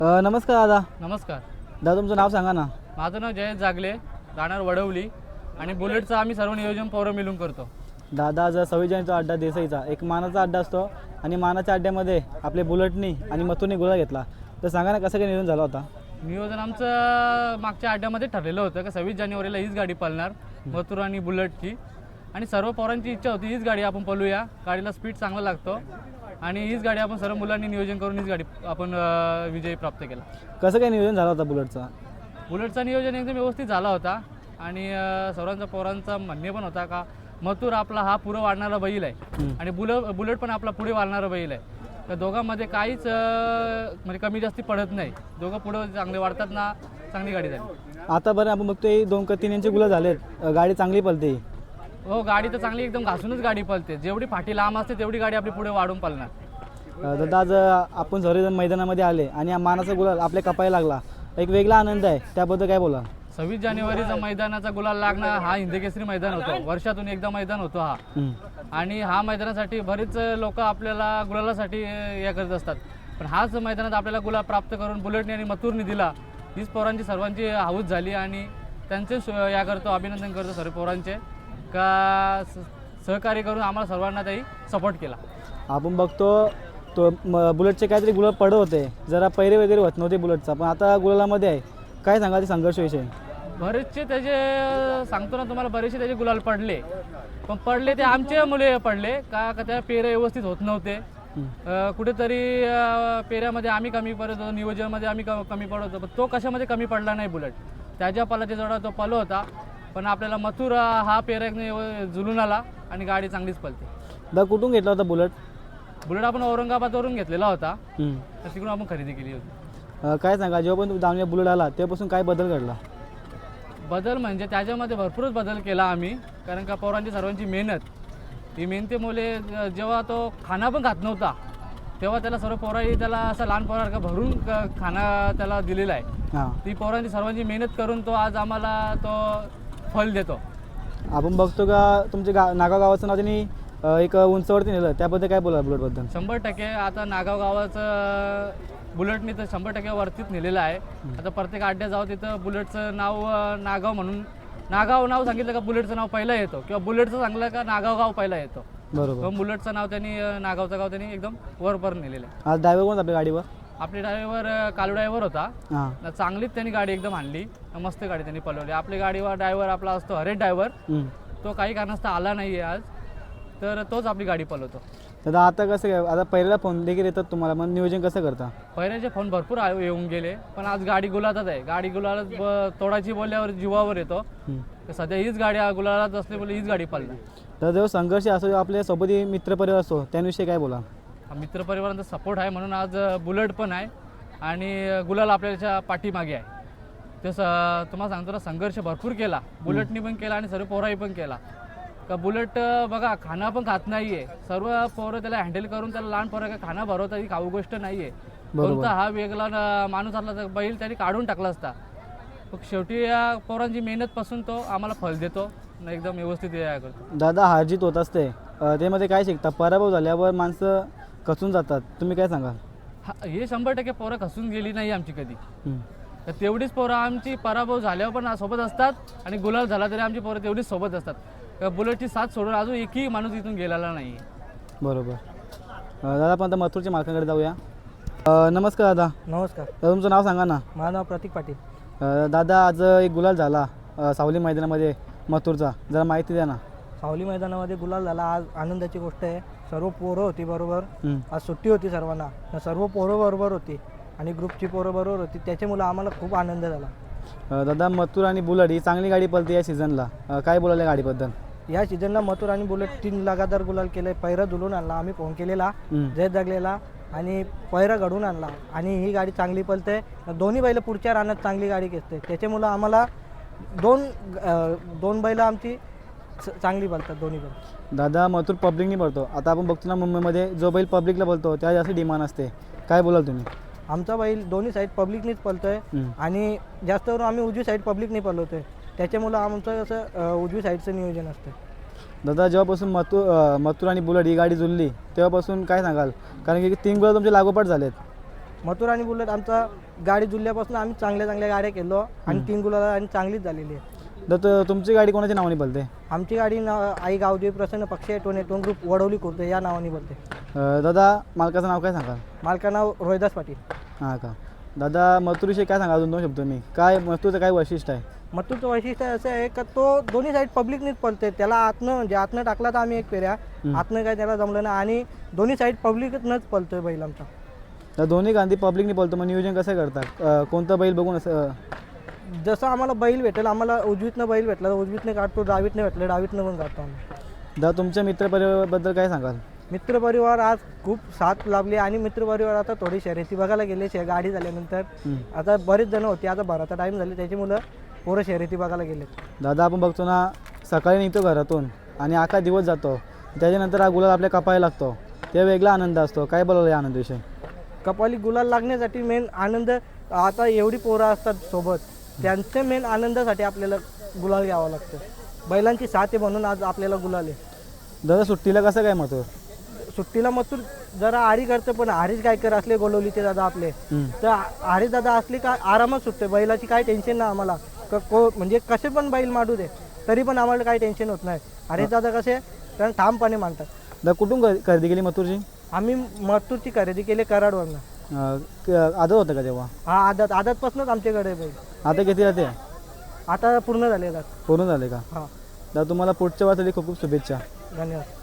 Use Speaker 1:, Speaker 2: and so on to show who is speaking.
Speaker 1: नमस्कार दादा.
Speaker 2: नमस्कार.
Speaker 1: दादा तुमचं नाव सांगा ना.
Speaker 2: माझं नाव जयेश जागले, राहणार वडवली आणि बुलेटचं आम्ही सर्व नियोजन पोरं मिळून करतो.
Speaker 1: दादा आज 26 जानेचा अड्डा देसाईचा एक मानाचा अड्डा असतो आणि मानाच्या अड्ड्यामध्ये आपले बुलेटनी आणि मथुरनी गुलाल घेतला. तर सांगा ना कसं काय नियोजन झालं होता.
Speaker 2: नियोजन आमचं मागच्या अड्ड्यामध्ये ठरलेलं होतं का 26 जानेवारीला हीच गाडी पळणार, मथुर आणि बुलेटची. आणि सर्व पोरांची इच्छा होती हीच गाडी आपण पळूया, गाडीला स्पीड चांगला लागतो आणि हीच गाडी आपण सर्व मुलांनी नियोजन करून हीच गाडी आपण विजय प्राप्त केला.
Speaker 1: कसं काय नियोजन झालं होता बुलेटचा.
Speaker 2: बुलेटचा नियोजन एकदम व्यवस्थित झाला होता आणि सर्वांचा पोरांचा म्हणणे पण होता का मथुर आपला हा पुढं वाढणारा बैल आहे आणि बुलेट पण आपला पुढे वाढणारा बैल आहे. तर दोघांमध्ये काहीच म्हणजे कमी जास्ती पडत नाही, दोघं पुढं चांगले वाढतात ना, चांगली गाडी झाली.
Speaker 1: आता बरं आपण बघतोय 2 का 3 यांचे गुलाल झालेत, गाडी चांगली पळते.
Speaker 2: हो, गाडी तर चांगली एकदम घासूनच गाडी पळते, जेवढी फाटी लांब असते तेवढी गाडी आपली पुढे वाढून पळणार.
Speaker 1: दादा आज आपण सर्वजण मैदानामध्ये आले आणि मानाचा गुलाल आपल्या कपायला लागला, एक वेगळा आनंद आहे, त्याबद्दल काय बोला.
Speaker 2: 26 जानेवारीचा मैदानाचा गुलाल लागणं हा हिंदकेसरी मैदान होतो, वर्षातून एकदा मैदान होतो हा. आणि हा मैदानासाठी बरेच लोक आपल्याला गुलालासाठी हे करत असतात, पण हाच मैदानात आपल्याला गुलाल प्राप्त करून बुलेटने आणि मथुरने दिला. हीच पोरांची सर्वांची हाऊस झाली आणि त्यांचे या करतो, अभिनंदन करतो सर्व पोरांचे का सहकार्य करून आम्हाला सर्वांना त्याही सपोर्ट केला.
Speaker 1: आपण बघतो तो बुलेटचे काहीतरी गुलाल पडत होते, जरा पैरे वगैरे होत नव्हते बुलेटचा, पण आता गुलालामध्ये आहे. काय सांगा ते संघर्षविषयी.
Speaker 2: बरेचसे त्याचे सांगतो ना तुम्हाला, बरेचसे त्याचे गुलाल पडले, पण पडले ते आमचे मुले पडले का त्या पेरे व्यवस्थित होत नव्हते. कुठेतरी पेऱ्यामध्ये आम्ही कमी पडत होतो, नियोजनामध्ये आम्ही कमी पडत होतो, पण तो कशामध्ये कमी पडला नाही. बुलेट त्याच्या पलाच्या जवळ तो पलो होता, पण आपल्याला मथुर हा पेऱ्याने जुलून आला आणि गाडी चांगलीच पळते.
Speaker 1: दादा कुठून घेतला होता बुलेट.
Speaker 2: बुलेट आपण औरंगाबादवरून घेतलेला होता, तर तिकडून आपण खरेदी केली होती.
Speaker 1: काय सांगा, जेव्हा पण तुम्ही दावणीला बुलेट आला तेव्हापासून काय बदल घडला.
Speaker 2: बदल म्हणजे त्याच्यामध्ये भरपूरच बदल केला आम्ही, कारण का पोरांची सर्वांची मेहनत, ही मेहनतीमुळे जेव्हा तो खाना पण खात नव्हता तेव्हा त्याला सर्व पोरांनी त्याला असं लहान पोरासारखा भरून खाना त्याला दिलेला आहे. ती पोरांची सर्वांची मेहनत करून तो आज आम्हाला तो फल देतो.
Speaker 1: आपण बघतो का तुमच्या नागाव गावाचं नाव त्यांनी एक उंचवरती नेलं, त्याबद्दल काय बोला बुलेटबद्दल.
Speaker 2: 100% आता नागाव गावाचं बुलेटनी तर 100% वरतीच नेलेलं आहे. आता प्रत्येक अड्ड्यात जाऊ तिथं बुलेटचं नाव नागाव म्हणून, नागाव नाव सांगितलं का बुलेटचं नाव पहिला येतो, किंवा बुलेटचं सांगलं का नागाव गाव पहिला येतो.
Speaker 1: बरोबर.
Speaker 2: बुलेटचं नाव त्यांनी, नागावचं गाव त्यांनी एकदम वरपर नेलेलं आहे.
Speaker 1: आज ड्रायव्हर कोण आपल्या गाडीवर.
Speaker 2: आपले ड्रायव्हर कालू ड्रायव्हर होता, चांगलीच त्यांनी गाडी एकदम आणली, मस्त गाडी त्यांनी पळवली. आपली गाडीवर ड्रायव्हर आपला असतो हरेश ड्रायव्हर, तो काही कारणास्तव आला नाही आहे आज, तर तोच आपली गाडी पळवतो.
Speaker 1: दादा आता कसं काय, आता पहिल्याला फोन देखील येतात तुम्हाला, मग नियोजन कसं करता.
Speaker 2: पहिल्याचे फोन भरपूर येऊन गेले, पण आज गाडी गुलालात आहे. गाडी गुलालात तोडायची बोलल्यावर जीवावर येतो. सध्या हीच गाडी गुलालात असली बोलली हीच गाडी पळणार.
Speaker 1: तर जेव्हा संघर्ष असतो, आपल्या सोबत मित्रपरिवार असतो, त्याविषयी काय बोला.
Speaker 2: मित्रपरिवारांचा सपोर्ट आहे म्हणून आज बुलेट पण आहे आणि गुलाल आपल्याच्या पाठीमागे आहे. ते तुम्हाला सांगतो ना, संघर्ष भरपूर केला, बुलेटनी पण केला आणि सर्व पोराही पण केला. का बुलेट बघा खाना पण खात नाही आहे, सर्व पोरं त्याला हँडल करून त्याला लहान पोरं का खाना भरवता ही खाऊ गोष्ट नाही आहे. कोणता हा वेगळा माणूस असला तर बैल त्याने काढून टाकला असता. मग शेवटी या पोरांची मेहनतपासून तो आम्हाला फल देतो, एकदम व्यवस्थित हे करतो.
Speaker 1: दादा हारजीत होत असते, त्यामध्ये काय शिकता. पराभव झाल्यावर माणसं खचून जातात, तुम्ही काय सांगाल.
Speaker 2: हे 100% पोरं खचून गेली नाही आमची कधी. तर तेवढीच पोरं आमची पराभव झाल्यावर पण सोबत असतात आणि गुलाल झाला तरी आमची पोरं तेवढीच सोबत असतात. बुलेटची साथ सोडून अजून एकही माणूस इथून गेलेला नाही. बरोबर.
Speaker 1: दादा आपण आता मथुरच्या मालकांकडे जाऊया. नमस्कार दादा.
Speaker 3: नमस्कार.
Speaker 1: तुमचं नाव सांगा ना.
Speaker 3: माझं नाव प्रतीक पाटील.
Speaker 1: दादा आज एक गुलाल झाला सावली मैदानामध्ये मथुरचा, जरा माहिती द्या ना.
Speaker 3: सावली मैदानामध्ये गुलाल झाला, आज आनंदाची गोष्ट आहे. सर्व पोरं होती बरोबर, आज सुट्टी होती सर्वांना, सर्व पोरं बरोबर होती आणि ग्रुपची पोरं बरोबर होती, त्याच्यामुळे आम्हाला खूप आनंद झाला.
Speaker 1: दादा मथुर आणि बुलेट ही चांगली गाडी पळते या सीझनला, काय बोलायला गाडीबद्दल.
Speaker 3: या सीझनला मथुर आणि बुलेट 3 लगातार गुलाल केले. पैरा जुलून आणला, आम्ही फोन केलेला जय जगलेला आणि पैरा घडून आणला आणि ही गाडी चांगली पळते. दोन्ही बैल पुढच्या रानात चांगली गाडी घेते, त्याच्यामुळं आम्हाला दोन बैल आमची चांगली पळतात दोन्ही बैल.
Speaker 1: दादा मथुर पब्लिकनी पळतो, आता आपण बघतो ना मुंबईमध्ये जो बैल पब्लिकला पळतो त्या जास्त डिमांड असते, काय बोलाल तुम्ही.
Speaker 3: आमचा बैल दोन्ही साईड पब्लिकनीच पळतोय आणि जास्त करून आम्ही उजवी साईड पब्लिकने पळवतोय, त्याच्यामुळं आमचं असं उजवी साईडचं नियोजन असतं.
Speaker 1: दादा जेव्हापासून मथुर आणि बुलेट ही गाडी जुळली तेव्हापासून काय सांगाल, कारण की 3 गुलाल तुमचे लागोपाठ झालेत.
Speaker 3: मथुर आणि बुलेट आमचा गाडी जुळल्यापासून आम्ही चांगल्या चांगल्या गाड्या केलो आणि 3 गुलाल आणि चांगलीच झालेली आहे.
Speaker 1: तर तुमची गाडी कोणाच्या नावाने पळते?
Speaker 3: आमची गाडी आई गावदेवी प्रसन्न पक्ष टोन ग्रुप वडवली खुर्द या नावाने बोलते.
Speaker 1: दादा मालकाचं नाव काय सांगाल?
Speaker 3: मालका नाव रोहिदास पाटील.
Speaker 1: हां का. दादा मथुरविषयी काय सांगा अजून 2 शब्द मी? काय मथुरचं काय वैशिष्ट्य आहे?
Speaker 3: मथुरचं वैशिष्ट्य असं आहे का तो दोन्ही साईड पब्लिकनीच पळते. त्याला आतनं टाकला तर आम्ही एक फेऱ्या आतनं काय त्याला जमलं ना आणि दोन्ही साईड पब्लिकनंच पळतोय बैल आमचा.
Speaker 1: तर दोन्ही गांधी पब्लिकने बोलतो, मग नियोजन कसं करतात? कोणतं बैल बघून असं?
Speaker 3: जसं आम्हाला बैल भेटेल, आम्हाला उजवीतनं बैल भेटला तर उजवीतनं काढतो, डावीतनं भेटलं डावीतनं पण काढतो आम्ही.
Speaker 1: दादा तुमच्या मित्रपरिवाराबद्दल काय सांगाल?
Speaker 3: मित्रपरिवार आज खूप साथ लाभली आणि मित्रपरिवार आता थोडी शर्यती बघायला गेले गाडी झाल्यानंतर. आता बरेच जण होते, आता भराचा टाईम झाले त्याच्यामुळं पोरं शर्यती बघायला गेले.
Speaker 1: दादा आपण बघतो ना, सकाळी निघतो घरातून आणि अख्खा दिवस जातो, त्याच्यानंतर हा गुलाल आपल्या कपाळी लागतो, ते वेगळा आनंद असतो. काय बोलायला या आनंदविषयी?
Speaker 3: कपाली गुलाल लागण्यासाठी मेन आनंद, आता एवढी पोरं असतात सोबत, त्यांच्या मेन आनंदासाठी आपल्याला गुलाल घ्यावा लागतं. बैलांची साथ आहे म्हणून आज आपल्याला गुलाल आहे.
Speaker 1: दादा सुट्टीला कसं काय मथुर?
Speaker 3: सुट्टीला मथुर जरा आरी करते, पण हरीश गायकर असले गोलवलीचे दादा आपले, तर हरीश दादा असले का आरामात सुटते. बैलाची काही टेन्शन नाही आम्हाला, म्हणजे कसे पण बैल माडू दे तरी पण आम्हाला काही टेन्शन होत नाही. हरीश दादा कसे कारण ठामपणे मानतात.
Speaker 1: दादा कुठून खरेदी केली मथुरची?
Speaker 3: आम्ही मथुरची खरेदी केली कराडवरनं.
Speaker 1: आदत होतं का तेव्हा?
Speaker 3: हा आदतपासूनच आमच्याकडे बैल.
Speaker 1: आता किती राहते?
Speaker 3: आता पूर्ण झाले.
Speaker 1: पूर्ण झाले का?
Speaker 3: हां
Speaker 1: दादा तुम्हाला पुढच्या वाटली खूप खूप शुभेच्छा.
Speaker 3: धन्यवाद.